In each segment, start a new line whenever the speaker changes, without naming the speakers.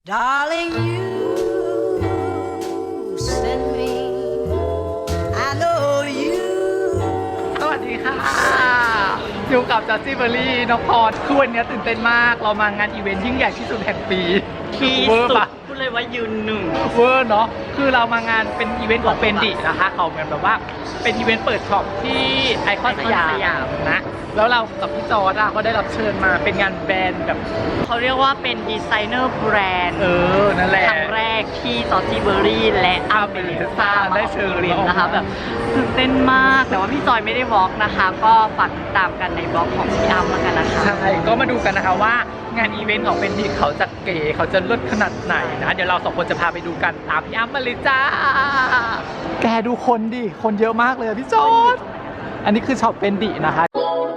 Darling, you send me. I know you.
สวัสดีค่ะอยู่กับจัสซี่เบอร์รี่น้องพรคือวันนี้ตื่นเต้นมากเรามางานอีเวนต์ยิ่งใหญ่ที่สุดแห่งปี
ที่
เวอร์
สุด
ปะ
พูดเลยว่ายืนหนึ่ง
เวอร์เนาะคือเรามางานเป็นอีเวนต์ของเฟนดินะคะเขาเหมือนแบบว่าเป็นอีเวนต์เปิดช็อปที่ไอคอนสยามนะแล้วเรากับพี่จอร์ดก็ได้รับเชิญมาเป็นงานแบรนด์แบบ
เขาเรียกว่าเป็นดีไซเนอร์แบรนด์
นั่นแหละ
ครั้งแรกที่ซอสซี่เบอร์รี่และอัมเบลิซ่า
ได้เชิญ
เรียนนะคะแบบตื่นเต้นมากแต่ว่าพี่จอยไม่ได้วอล์กนะคะ ก็ฝากติดตามกันในบล็อกของพี่อัมแล้วกันนะคะ
ใช่ก็มาดูกันนะคะว่างานอีเวนต์ของเฟนดิเขาจะเก๋เขาจะเลิศขนาดไหนนะเดี๋ยวเราสองคนจะพาไปดูกันตามพี่อ้ำมาเลยจ้าแกดูคนดิคนเยอะมากเลยพี่จอร์ดอันนี้คือช็อปเฟนดินะคะ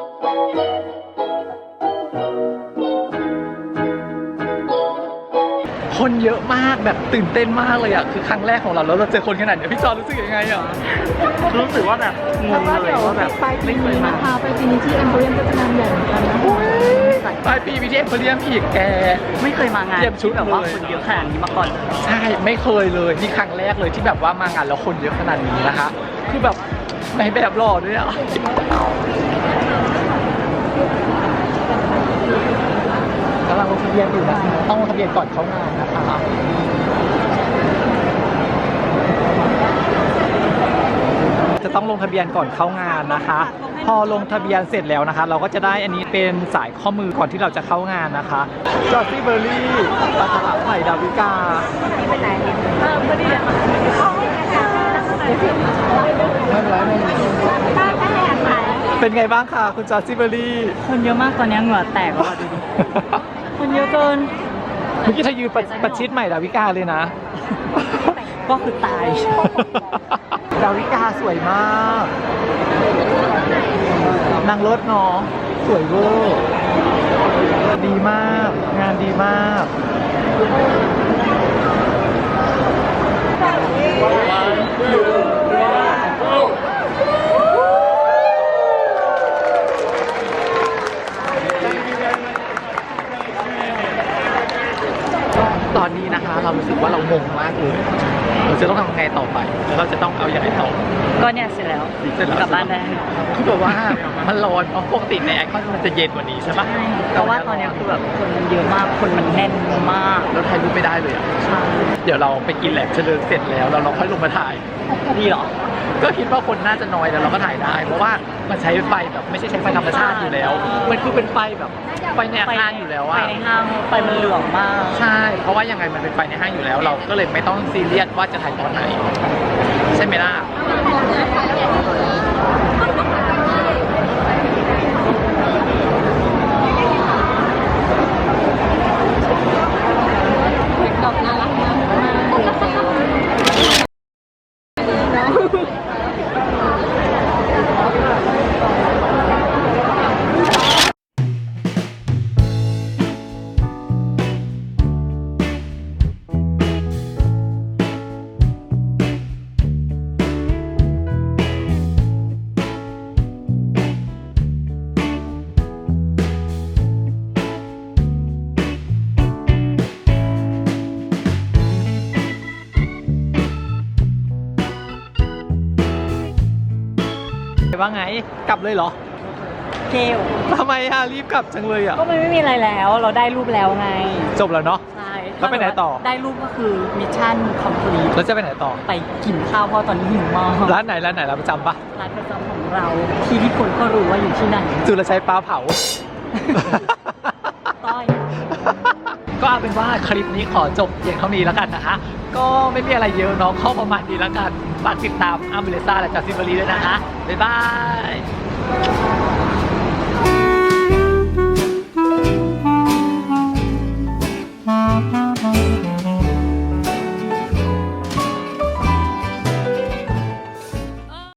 คนเยอะมากแบบตื่นเต้นมากเลยอ่ะคือครั้งแรกของเราแล้วเราเจอคนขนาดนี้พี่จอร์ดรู้สึกยังไงอ่ะ
รู้สึกว่าแบบงงเลยว่าแบบไม่เคยมา
ไปปีนี้ที่แอมโพเรียมก็จะงานใหญ่เหมือนกันนะ
ปลายปีวิเทศเรียมอีกแก
ไม่เคยมางาน
เตรียมชุด
ที่แบบว่า
เลย
คนเยอะขนาดนี้มาก่อนเลย
ใช่ไม่เคยเลยนี่ครั้งแรกเลยที่แบบว่ามางานแล้วคนเยอะขนาดนี้นะคะ คือแบบในแบบหล่อด้วยอ่ะกำลังลงทะเบียนอยู่นะคะต้องลงทะเบียนก่อนเข้างานนะคะจะต้องลงทะเบียนก่อนเข้างานนะคะ พอลงทะเบียนเสร็จแล้วนะคะ เราก็จะได้อันนี้เป็นสายข้อมือก่อนที่เราจะเข้างานนะคะจอร์ซี่เบอร์รี่ปลาฉลามไผ่ดาวิกาไม่เป็นไรไม่เป็นไรเป็นไงบ้างคะคุณจอร์ซี่เบอร์รี่
คนเยอะมากตอนนี้เหงื่อแตกว่ะดูดิคนเยอะเกิน
เมื่อกี้เธอยืนประชิดใหม่ดาวิกาเลยนะ
ก็คือตาย
ดาวิกาสวยมากนางรถเนาะสวยเวอร์ดีมากงานดีมากตอนนี้นะคะเรารู้สึกว่าเรางงมากเลยเราจะต้องทำไงต่อไปแล้วเราจะต้องเอาอย่างไรต่อ
ก็เนี่ยเสร็จแล้ว
เสร็จแล้ว
กลับบ้านได้
คือแบบว่ามันร้อนเพราะปกติในไอคอนมันจะเย็นกว่านี้ใช่ปะ
เพราะว่าตอนนี้คือแบบคนมันเยอะมากคนมันแน่นมาก
แล้วถ่ายรูปไม่ได้เลยอ่ะ
ใช่
เดี๋ยวเราไปกินแหลมเฉลิมเสร็จแล้วเราค่อยลงมาถ่าย
ดีเหรอ
ก็คิดว่าคนน่าจะน้อยแต่เราก็ถ่ายได้ เพราะว่ามันใช้ไฟแบบไม่ใช่ใช้ไฟธรรมชาติอยู่แล้ว มันคือเป็นไฟแบบไฟในห้างอยู่แล้ว
ไฟ
อะ
ในห้างไฟมันเหลืองมาก
ใช่ เพราะว่ายังไงมันเป็นไฟในห้างอยู่แล้ว เราก็เลยไม่ต้องซีเรียสว่าจะถ่ายตอนไหนใช่ไหมล่ะว่าไงกลับเลยเหรอ
เกล
ทำไมอะรีบกลับจังเลยอะ
ก็มันไม่มีอะไรแล้ว เราได้รูปแล้วไง
จบแล้วเนาะ
ใช่
แล้วไปไหนต่อ
ได้รูปก็คือมิชชั่นคอมพลีท
แล้วจะไปไหนต่อ
ไปกินข้าวเพราะตอนนี้หิวมาก
ร้านไหนร้านประจำปะ
ร้านประจำของเราที่ทุกคนก็รู้ว่าอยู่ที่ไหน
จุลชัยปลาเผา
ต้อย
ก็เอาเป็นว่าคลิปนี้ขอจบเพียงเท่านี้แล้วกันนะคะ ก็ไม่มีอะไรเยอะเนาะเข้าประมาณนี้แล้วกันฝากติดตามอัมเบลิซ่าและจัสซิเบอรี่ด้วยนะคะ บ๊ายบาย